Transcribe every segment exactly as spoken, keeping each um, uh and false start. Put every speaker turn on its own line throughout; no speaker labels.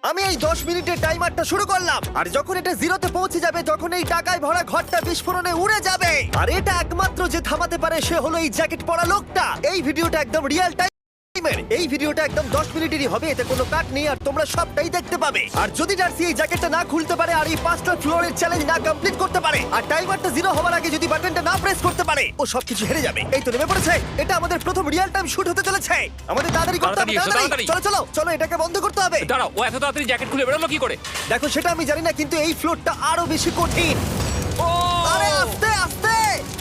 আমি এই দশ মিনিটের টাইমারটা শুরু করলাম, আর যখন এটা জিরোতে পৌঁছে যাবে তখন এই টাকায় ভরা ঘরটা বিস্ফোরণে উড়ে যাবে। আর এটা একমাত্র যে থামাতে পারে সে হলো এই জ্যাকেট পরা লোকটা। এই ভিডিওটা একদম রিয়েল টাইম। এই ভিডিওটা একদম দশ মিনিটেরই হবে, এতে কোনো কাট নেই আর তোমরা সবটাই দেখতে পাবে। আর যদি ডার্সি এই জ্যাকেটটা না খুলতে পারে আর এই পাঁচটা ফ্লোরের চ্যালেঞ্জ না কমপ্লিট করতে পারে আর টাইমারটা জিরো হওয়ার আগে যদি বাটনটা না প্রেস করতে পারে, ও সবকিছু হেরে যাবে। এই তো নেমে পড়েছে, এটা আমাদের প্রথম রিয়েল টাইম শুট হতে চলেছে। আমাদের তাড়াতাড়ি করতে হবে,
তাড়াতাড়ি এসো,
তাড়াতাড়ি।
তাড়াতাড়ি।
চলো চলো চলো, এটাকে বন্ধ করতে হবে।
দাঁড়াও, ও এত তাড়াতাড়ি জ্যাকেট খুলে বেরোলো কি করে?
দেখো সেটা আমি জানি না, কিন্তু এই ফ্লোরটা আরো বেশি কঠিন।
ও
আরে আস্তে আস্তে।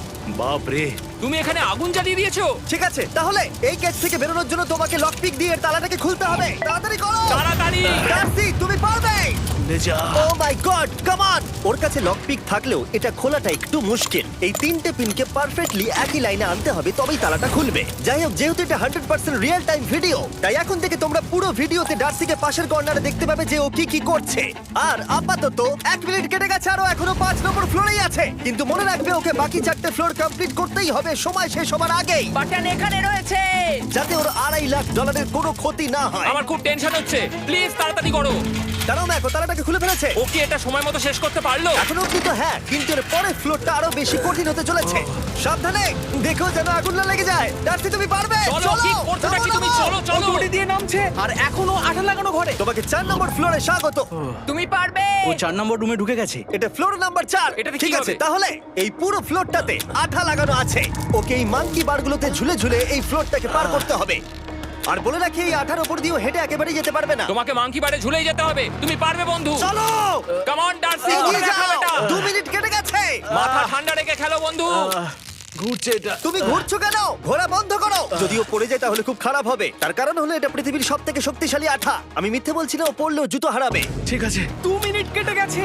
বাপ রে,
তুমি এখানে আগুন জ্বালিয়ে দিয়েছো।
ঠিক আছে, তাহলে এই কেস থেকে বেরোনোর জন্য তোমাকে লক পিক দিয়ে এর তালাটাকে খুলতে হবে। তাড়াতাড়ি করো
তাড়াতাড়ি।
ডার্সি, তুমি পারবে।
যা
ও মাই গড, কাম অন! ওর কাছে লক পিক থাকলেও এটা খোলাটা একটু মুশকিল। এই তিনটে পিনকে পারফেক্টলি একই লাইনে আনতে হবে, তবেই তালাটা খুলবে। যাই হোক, যেহেতু এটা hundred percent real time video, তাই এখন থেকে তোমরা পুরো ভিডিওতে ডার্সিকে পাশের কর্নারে দেখতে পাবে যে ও কি কি করছে। আর আপাতত এক মিনিট কেটে গেছে, আরো এখনো পাঁচ নম্বর ফ্লোরেই আছে। কিন্তু মনে রাখবে, ওকে বাকি চারটে ফ্লোর কমপ্লিট করতেই হবে সময় শেষ হবার আগেই,
বাটন এখানে রয়েছে।
যাতে ওর আড়াই লাখ ডলারের কোনো ক্ষতি না হয়।
আমার খুব টেনশন হচ্ছে, প্লিজ তাড়াতাড়ি করো।
দাঁড়াও, দেখো তালাটাকে খুলে ফেলেছে।
ও কি এটা সময় মতো শেষ করতে পারলো?
এখন অব্দি তো হ্যাঁ, কিন্তু এর পরের ফ্লোরটা আরো বেশি কঠিন হতে চলেছে। সাবধানে, দেখো যেন আগুন না লেগে যায়। ডার্সি, তুমি পারবে।
চলো, কি করছো নাকি তুমি? চলো চলো।
দড়ি দিয়ে নামছে আর এখনো আঠা লাগানো ঘরে।
তোমাকে চার নম্বর ফ্লোরে স্বাগত।
তুমি পারবে।
ও চার নম্বর রুমে ঢুকে গেছে।
এটা ফ্লোর নাম্বার চার।
এটাতে কি
ঠিক আছে,
হবে?
তাহলে এই পুরো ফ্লোরটাতে আঠা লাগানো আছে। ওকে এই মাঙ্কি বারগুলোতে ঝুলে ঝুলে এই ফ্লোরটাকে পার করতে হবে। আর বলে রাখি, এই আঠার উপর দিয়েও হেঁটে একেবারেই যেতে পারবে না।
তোমাকে মাংকি বারে ঝুলেই যেতে হবে। তুমি পারবে বন্ধু।
চলো,
কাম অন ডার্সি,
এগিয়ে
করে দেখাও
যাও।
এটা।
দু মিনিট কেটে গেছে।
মাথা ঠান্ডা রেখে খেলো বন্ধু।
আহ, ঘুরছে এটা।
তুমি ঘুরছো কেন? ঘোরা বন্ধ করো। যদিও পড়ে যায় তাহলে খুব খারাপ হবে। তার কারণ হলো এটা পৃথিবীর সব থেকে শক্তিশালী আঠা। আমি মিথ্যে বলছি না, ও পড়লেও জুতো হারাবে।
ঠিক আছে।
দু মিনিট কেটে গেছে।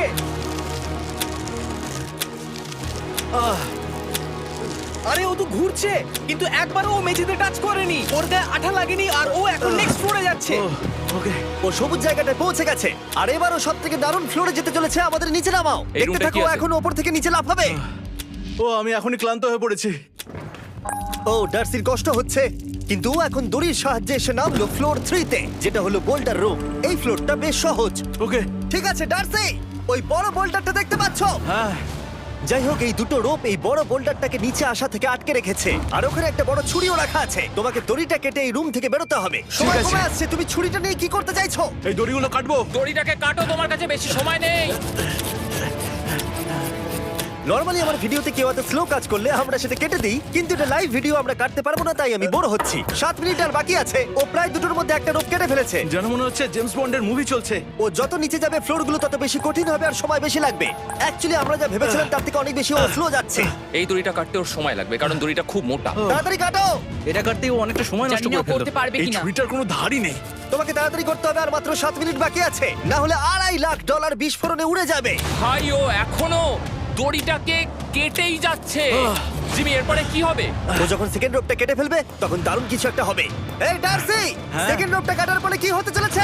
আহ,
আরে ও তো ঘুরছে, কিন্তু একবারও ও মেঝেতে টাচ করেনি। ওর গায়ে আঠা লাগেনি আর ও এখন নেক্সট ফ্লোরে যাচ্ছে।
ও, ওকে।
ও সবুজ জায়গাটায় পৌঁছে গেছে। আর এবারও সব থেকে দারুণ ফ্লোরে যেতে চলেছে। আমাদের নিচে নামাও।
এই
দেখতে
রুমটা
থাকো,
কি
ও
আছে?
এখন ওপর থেকে নিচে লাফাবে।
ও, আমি এখনই ক্লান্ত হয়ে পড়েছি।
ও, ডার্সির কষ্ট হচ্ছে, কিন্তু ও এখন দড়ির সাহায্যে এসে নামলো ফ্লোর থ্রিতে, যেটা হলো বোল্ডার রুম। এই ফ্লোরটা বেশ সহজ।
ওকে।
ঠিক আছে ডার্সি, ওই বড় বোল্ডারটা দেখতে পাচ্ছ?
হ্যাঁ।
যাই হোক, এই দুটো রোপ এই বড় বোল্ডারটাকে নিচে আসা থেকে আটকে রেখেছে। আর ওখানে একটা বড় ছুরিও রাখা আছে। তোমাকে দড়িটা কেটে এই রুম থেকে বেরোতে হবে। সময়
আছে।
কমে আসছে, তুমি ছুরিটা নিয়ে কি করতে চাইছো?
এই দড়িগুলো কাটবো।
দড়িটাকে কাটো, তোমার কাছে বেশি সময় নেই।
নরমালি আমার ভিডিওতে কেউ এত স্লো কাজ করলে আমরা সেটা কেটে দিই, কিন্তু এটা লাইভ ভিডিও আমরা কাটতে পারবো না, তাই আমি বড় হচ্ছি। সাত মিনিট আর বাকি আছে। ও প্রায় দুটোর মধ্যে একটা রোপ কেটে ফেলেছে।
যেন মনে হচ্ছে জেমস বন্ডের মুভি চলছে।
ও যত নিচে যাবে ফ্লোরগুলো তত বেশি কঠিন হবে আর সময় বেশি লাগবে। অ্যাকচুয়ালি আমরা যা ভেবেছিলাম তার থেকে অনেক বেশি ও স্লো যাচ্ছে।
এই দড়িটা কাটতে ওর সময় লাগবে, কারণ দড়িটা খুব মোটা।
তাড়াতাড়ি কাটো।
এটা কাটতেই ও অনেকটা সময় নষ্ট
জানি না
করে
ও
ফেললো।
করতে পারবে
এই
কিনা।
ছুরিটার কোনো ধারই নেই।
তোমাকে তাড়াতাড়ি করতে হবে, আর মাত্র সাত মিনিট বাকি আছে, না হলে আড়াই লাখ ডলার বিস্ফোরণে উড়ে যাবে।
ভাই, ও এখনো দড়িটাকে কেটেই যাচ্ছে। জিমি, এরপরে কি হবে?
ও যখন সেকেন্ড রোপটা কেটে ফেলবে তখন দারুণ কিছু একটা হবে। এই ডার্সি,
হ্যাঁ?
সেকেন্ড রোপটা কাটার পরে কি হতে চলেছে?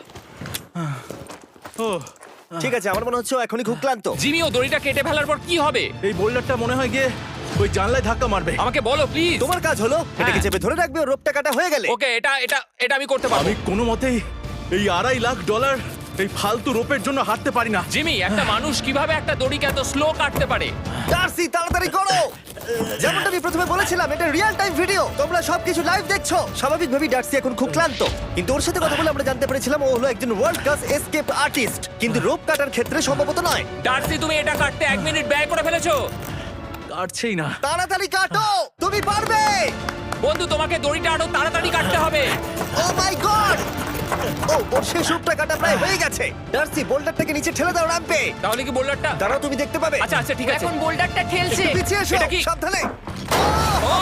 ও,
ঠিক আছে, আমার মনে হচ্ছে ও এখনই খুব ক্লান্ত।
জিমি, ও দড়িটা কেটে ফেলার পর কি হবে?
এই বোল্ডারটা মনে হয় গিয়ে ওই জানলায় ধাক্কা মারবে।
আমাকে বলো প্লিজ।
তোমার কাজ হলো এটাকে চেপে ধরে রাখবে, ও রোপটা কাটা হয়ে গেলে।
ওকে, এটা এটা এটা আমি করতে পারবো।
আমি কোনো মতেই এই আড়াই লাখ ডলার এই ফালতু রোপের জন্য হারতে পারি না।
জিমি, একটা মানুষ কিভাবে একটা দড়িকে এত স্লো কাটতে পারে?
ডার্সি, তাড়াতাড়ি করো। যেমনটা আমি প্রথমে বলেছিলাম, এটা রিয়েল টাইম ভিডিও, তোমরা সবকিছু লাইভ দেখছো। স্বাভাবিকভাবেই ডার্সি এখন খুব ক্লান্ত, কিন্তু ওর সাথে কথা বলে আমরা জানতে পেরেছিলাম ও হলো একজন ওয়ার্ল্ড ক্লাস এসকেপ আর্টিস্ট, কিন্তু রোপ কাটার ক্ষেত্রে সম্ভবত নয়।
ডার্সি, তুমি এটা কাটতে এক মিনিট ব্যয় করে ফেলেছো।
কাটছেই না।
তাড়াতাড়ি কাটো, তুমি পারবে।
বন্ধু, তোমাকে দড়িটা আরো তাড়াতাড়ি কাটতে হবে।
ও মাই গড! ও, ওর শেষ রূপটা কাটা প্রায় হয়ে গেছে। ডার্সি, বোল্ডারটাকে নিচে ঠেলে দাও রাম্পে।
তাহলে কি বোল্ডারটা?
দাঁড়াও, তুমি দেখতে পাবে।
আচ্ছা আচ্ছা, ঠিক আছে।
এখন বোল্ডারটা ঠেলছে।
একটু পিছিয়ে এসো,
এটা কি?
সাবধানে।
ও,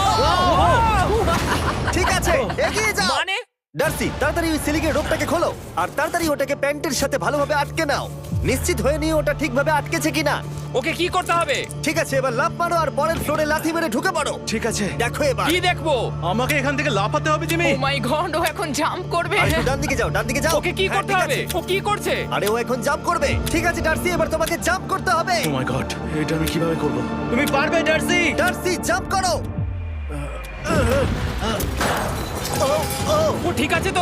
ঠিক আছে, এগিয়ে যাও।
মানে?
ডার্সি, তাড়াতাড়ি ওই সিলিংয়ের রোপটাকে খোলো আর তাড়াতাড়ি ওটাকে প্যান্টের সাথে ভালোভাবে আটকে নাও। নিশ্চিত হয়ে নিয়ে ওটা ঠিকভাবে আটকেছে কিনা।
ওকে কি করতে হবে?
ঠিক আছে, এবার লাফ মারো আর পরের ফ্লোরে লাথি মেরে ঢুকে পড়ো।
ঠিক আছে।
দেখো এবার।
কি দেখবো?
আমাকে এখান থেকে লাফাতে হবে জিমি।
ও মাই গড, ও এখন জাম্প করবে।
আর একটু ডান দিকে যাও, ডান দিকে যাও।
ওকে কি
হ্যাঁ,
করতে
ঠিক
হবে?
আছে।
ও কি করছে?
আরে ও এখন জাম্প করবে। ঠিক আছে ডার্সি, এবার তোমাকে জাম্প করতে হবে।
ও মাই গড, এটা আমি কিভাবে করব? তুমি পারবে ডার্সি।
ডার্সি, জাম্প করো। ও, ও,
ও ঠিক আছে তো?
ও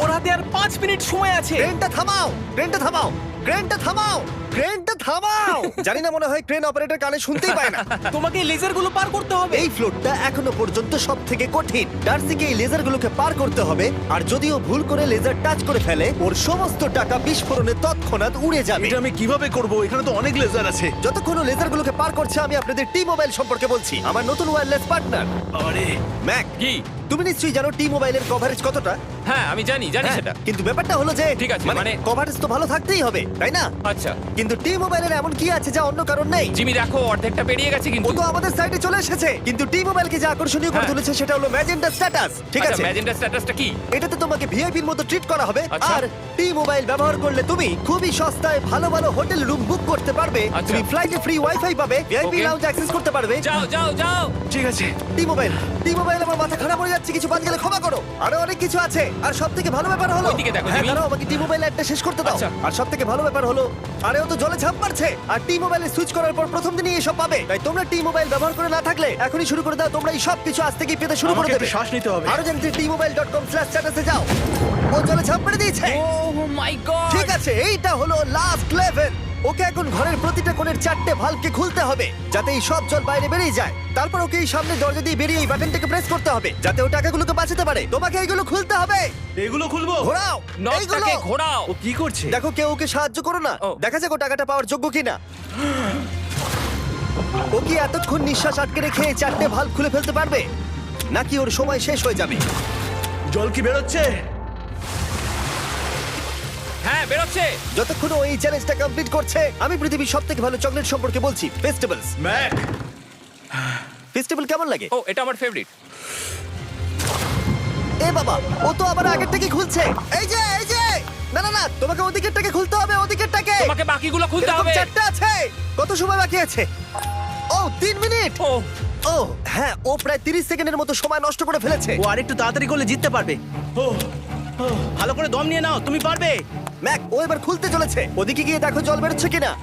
ওর হাতে আর পাঁচ মিনিট সময় আছে।
ক্রেনটা থামাও, ক্রেনটা থামাও, ক্রেনটা থামাও, ক্রেনটা থামাও। জানি না, মনে হয় ক্রেন অপারেটর কানে শুনতেই পায় না।
তোমাকে লেজার গুলো পার করতে হবে।
এই ফ্লোরটা এখনো পর্যন্ত সব থেকে কঠিন। ডার্সিকে এই লেজারগুলোকে পার করতে হবে, আর যদিও ভুল করে লেজার টাচ করে ফেলে, ওর সমস্ত টাকা বিস্ফোরণে তৎক্ষণাৎ উড়ে যাবে।
এটা আমি কিভাবে করব? এখানে তো অনেক লেজার আছে।
যতক্ষণ ও লেজারগুলোকে পার করছে, আমি আপনাদের টি মোবাইল সম্পর্কে বলছি, আমার নতুন ওয়্যারলেস পার্টনার
আরে
ম্যাক।
কি?
তুমি নিশ্চয়ই জানো টি মোবাইলের কভারেজ কতটা।
হ্যাঁ আমি জানি জানি
হ্যাঁ,
সেটা।
কিন্তু ব্যাপারটা হলো যে
ঠিক আছে,
মানে
মানে-
কভারেজ তো ভালো থাকতেই হবে, তাই না?
আচ্ছা
কিন্তু টি মোবাইলের এমন কি আছে যা অন্য কারণ নেই?
জিমি দেখো অর্ধেকটা পেরিয়ে গেছে
ও
কিন্তু।
তো আমাদের সাইডে চলে এসেছে, কিন্তু টি মোবাইলকে যে আকর্ষণীয় করে
হ্যাঁ।
তুলেছে সেটা হলো ম্যাজেন্টা স্ট্যাটাস। ঠিক আছে,
ম্যাজেন্টা স্ট্যাটাসটা কি?
এটাতে তোমাকে ভিআইপির মতো ট্রিট করা হবে।
আচ্ছা।
আর টি মোবাইল ব্যবহার করলে তুমি খুবই সস্তায় ভালো ভালো হোটেল রুম বুক করতে পারবে।
আচ্ছা।
তুমি ফ্লাইটে ফ্রি ওয়াইফাই পাবে, ভিআইপি
Okay.
লাউঞ্জ অ্যাক্সেস করতে পারবে।
যাও যাও যাও।
ঠিক আছে।
টি মোবাইল, টি মোবাইল আমার মাথা খারাপ হয়ে যাচ্ছে, কিছু বাদ গেলে ক্ষমা করো। আরো অনেক কিছু আছে, আর সব থেকে ভালো ব্যাপার হলো,
ওইদিকে দেখো,
হ্যাঁ
জিমি।
দাঁড়াও, আমাকে টি মোবাইল একটা শেষ করতে দাও।
আচ্ছা।
আর সব থেকে ভালো ব্যাপার হলো, আরে ও তো জলে ঝাঁপ মারছে, আর টি মোবাইলে সুইচ করার পর প্রথম দিনই এসব পাবে। তাই তোমরা টি মোবাইল ব্যবহার করে না থাকলে এখনই শুরু করে দাও। তোমরা এই সব কিছু আজ থেকেই পেতে শুরু করে
আমাকে
দেবে।
একটু শ্বাস নিতে হবে।
আরো জানতে T mobile dot com slash স্ট্যাটাসে যাও। ও জলে ঝাঁপ মেরে দিয়েছে।
Oh my god.
ঠিক আছে, এইটা হলো লাস্ট লেভেল। ওকে এখন ঘরের প্রতিটা কোণের চারটে ভালভকে খুলতে হবে, যাতে এই সব জল বাইরে বেরিয়ে যায়। তারপর ওকে এই সামনে দরজা দিয়ে বেরিয়ে এই বাটনটাকে প্রেস করতে হবে, যাতে ও টাকাগুলোকে বাঁচাতে পারে। তোমাকে এইগুলো খুলতে হবে।
এগুলো খুলবো?
ঘোরাও এইগুলো।
নটটাকে ঘোরাও।
ও কি করছে?
দেখো কেউ ওকে সাহায্য করো না,
ও।
দেখা যাক ও টাকাটা পাওয়ার যোগ্য কিনা। ও কি এতক্ষণ নিঃশ্বাস আটকে রেখে এই চারটে ভালভ খুলে ফেলতে পারবে, নাকি ওর সময় শেষ হয়ে যাবে?
জল কি বেরোচ্ছে?
হ্যাঁ বেরোচ্ছে।
যতক্ষণ ও এই চ্যালেঞ্জটা কমপ্লিট করছে, আমি পৃথিবীর সব থেকে ভালো চকলেট সম্পর্কে বলছি, ফেস্টিভ্যালস।
ম্যাক,
ফেস্টিভ্যাল কেমন লাগে?
ও এটা আমার ফেভারিট।
এ বাবা, ও তো আবার আগের থেকে খুলছে। এই যে এই যে, না না না, তোমাকে ওদিকেরটাকে খুলতে হবে, ওদিকেরটাকে।
তোমাকে বাকিগুলো খুলতে
এরকম
হবে।
চারটে আছে। কত সময় বাকি আছে? ও তিন মিনিট।
ও
ও হ্যাঁ, ও প্রায় তিরিশ সেকেন্ডের মতো সময় নষ্ট করে ফেলেছে।
ও আরেকটু তাড়াতাড়ি করলে জিততে পারবে।
ও
ভালো করে দম নিয়ে নাও, তুমি পারবে।
ম্যাক, ও এবার খুলতে চলেছে। ওদিকে গিয়ে দেখো জল বেরোচ্ছে কিনা।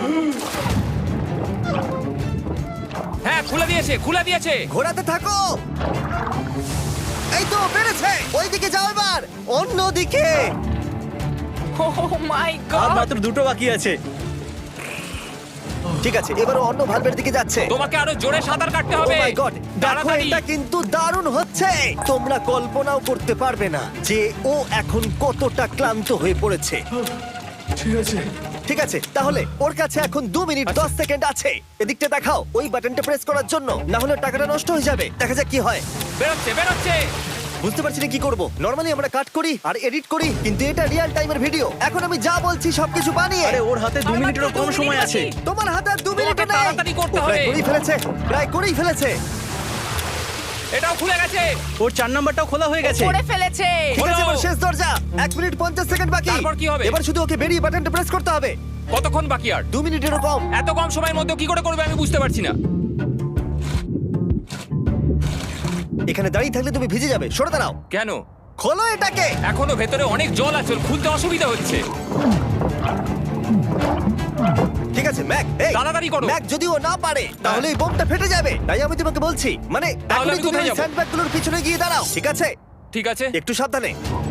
হ্যাঁ খুলে দিয়েছে খুলে দিয়েছে।
ঘোরাতে থাকো। এই তো বেড়েছে। ওইদিকে যাও এবার, অন্যদিকে।
ও মাই
আর
গড।
মাত্র দুটো বাকি আছে।
ঠিক আছে, এবার ও অন্য ভালভের দিকে যাচ্ছে।
তোমাকে আরো জোরে সাঁতার কাটতে
ও
হবে।
মাই গড, দেখো
তাড়াতাড়ি।
এটা কিন্তু দারুণ হচ্ছে। তোমরা কল্পনাও করতে পারবে না যে ও এখন কতটা ক্লান্ত হয়ে পড়েছে।
ঠিক আছে।
ঠিক আছে, তাহলে ওর কাছে এখন দু মিনিট দশ সেকেন্ড আছে। এদিকটা দেখাও ওই বাটনটা প্রেস করার জন্য, না হলে টাকাটা নষ্ট হয়ে যাবে। দেখা যাক কি হয়।
বেরোচ্ছে বেরোচ্ছে।
বুঝতে পারছি না কি করব। নরমালি আমরা কাট করি আর এডিট করি, কিন্তু এটা রিয়েল টাইমের ভিডিও। এখন আমি যা বলছি সবকিছু বানিয়ে।
আরে ওর হাতে দু
আর
মিনিটেরও
মাত্র
কম
দু
সময়
মিনিট
আছে।
বাকি।
তোমার হাতে আর দু মিনিট
তোমাকে তাড়াতাড়ি করতে হবে।
করেই ফেলেছে, প্রায় করেই ফেলেছে।
এটাও খুলে গেছে।
ওর চার নাম্বারটাও খোলা হয়ে গেছে।
করে ফেলেছে।
ঠিক আছে,
হলো।
এবার শেষ দরজা। এক মিনিট পঞ্চাশ সেকেন্ড বাকি।
তারপর কি হবে?
এবার শুধু ওকে বেরিয়ে বাটনটা প্রেস করতে হবে।
কতক্ষণ বাকি আর?
দু মিনিটেরও কম।
এত কম সময়ের মধ্যে কি করে করবে আমি বুঝতে পারছি না।
এখানে দাঁড়িয়ে থাকলে তুমি ভিজে যাবে, সরে দাঁড়াও।
কেন?
খোলো এটাকে।
এখনো ভেতরে অনেক জল আছে, ওর খুলতে অসুবিধা হচ্ছে।
ঠিক আছে ম্যাক, এই
তাড়াতাড়ি করো।
ম্যাক, যদি ও না পারে তাহলে এই বোমটা ফেটে যাবে। তাই আমি তোমাকে বলছি, মানে
তাহলে
এখনই
আমি
তুমি
কোথায়
ওই
যাবো?
স্যান্ডব্যাগগুলোর পিছনে গিয়ে দাঁড়াও, ঠিক আছে?
ঠিক আছে।
একটু সাবধানে।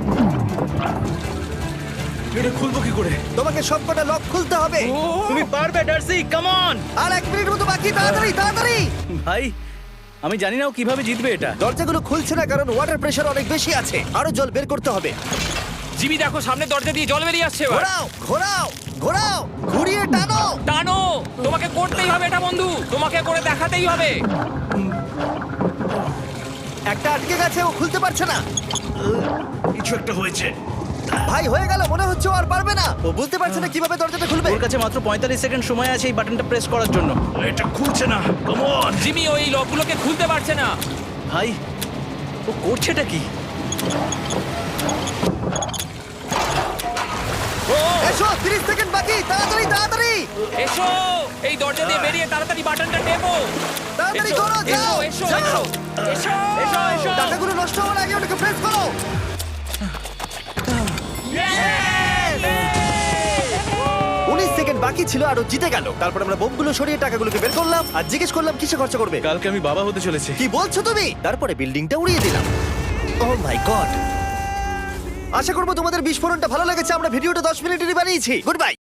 এটা খুলবো কি করে?
তোমাকে সবকটা লক খুলতে হবে।
তুমি পারবে ডার্সি, কাম অন।
আর এক মিনিট মতো বাকি, তাড়াতাড়ি তাড়াতাড়ি।
ভাই আমি জানি না ও কিভাবে জিতবে এটা।
দরজাগুলো খুলছে না কারণ ওয়াটার প্রেশার অনেক বেশি আছে। আরো জল বের করতে হবে।
জিমি দেখো সামনে দরজা দিয়ে জল বেরিয়ে আসছে এবার।
ঘোরাও ঘোরাও ঘোরাও, ঘুরিয়ে টানো।
টানো। তোমাকে করতেই হবে এটা বন্ধু, তোমাকে করে দেখাতেই হবে।
একটা আটকে গেছে, ও খুলতে পারছে না।
কিছু একটা হয়েছে।
ভাই হয়ে গেল, মনে হচ্ছে ও আর পারবে না। ও বুঝতে পারছে না কিভাবে দরজাটা খুলবে।
ওর কাছে মাত্র পঁয়তাল্লিশ সেকেন্ড সময় আছে এই বাটনটা প্রেস করার জন্য।
এটা খুলছে না। Come on.
জিমি ওই লকগুলোকে খুলতে পারছে না।
ভাই ও করছেটা কি?
ও
এসো, তিরিশ সেকেন্ড বাকি, তাড়াতাড়ি তাড়াতাড়ি
এসো, এই দরজা দিয়ে বেরিয়ে তাড়াতাড়ি বাটনটা টেপো।
তাড়াতাড়ি
এসো,
করো, যাও
এসো,
যাও।
এসো, এসো, এসো, এসো।
টাকাগুলো নষ্ট হওয়ার আগে ওটাকে প্রেস করো। উনিশ সেকেন্ড বাকি ছিল আর ও জিতে গেল। তারপর আমরা বোমগুলো সরিয়ে টাকাগুলোকে বের করলাম আর জিজ্ঞেস করলাম কিসে খরচা করবে।
কালকে আমি বাবা হতে চলেছি।
কি বলছো তুমি? তারপরে বিল্ডিংটা উড়িয়ে দিলাম। ও মাই গড, আশা করবো তোমাদের বিস্ফোরণটা ভালো লেগেছে। আমরা ভিডিওটা দশ মিনিটেরই বানিয়েছি। Good by.